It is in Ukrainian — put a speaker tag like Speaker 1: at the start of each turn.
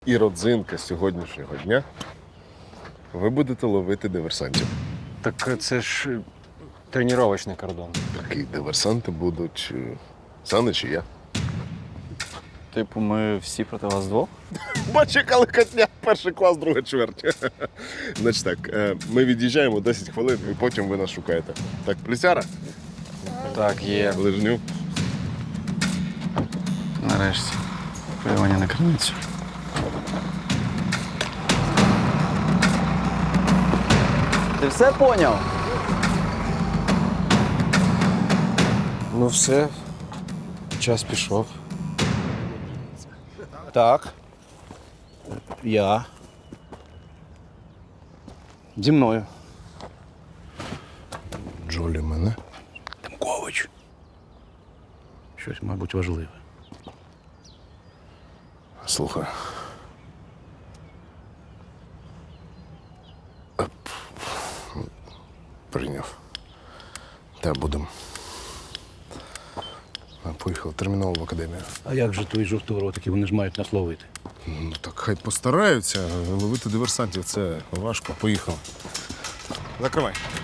Speaker 1: І родзинка сьогоднішнього дня – ви будете ловити диверсантів.
Speaker 2: Так це ж тренувальний кордон.
Speaker 1: Такі диверсанти будуть Санич і я.
Speaker 3: Типу, ми всі проти вас двох?
Speaker 1: Бач, яка легкотня, перший клас, друга чверть. Значить так, ми від'їжджаємо 10 хвилин, і потім ви нас шукаєте. Так, плісяра?
Speaker 2: Так, є.
Speaker 1: Лижню.
Speaker 3: Нарешті. Полювання на криницю. Ти все поняв?
Speaker 4: Ну все, час пішов. Так. Я. Зі мною.
Speaker 1: Джолі мене.
Speaker 4: Демкович. Щось, мабуть, важливе.
Speaker 1: Слухай. Прийняв. Та будемо. Поїхав терміново в академію.
Speaker 4: А як же твої жовторотики, вони ж мають нас ловити?
Speaker 1: Ну так хай постараються. Ловити диверсантів це важко. Поїхав. Закривай.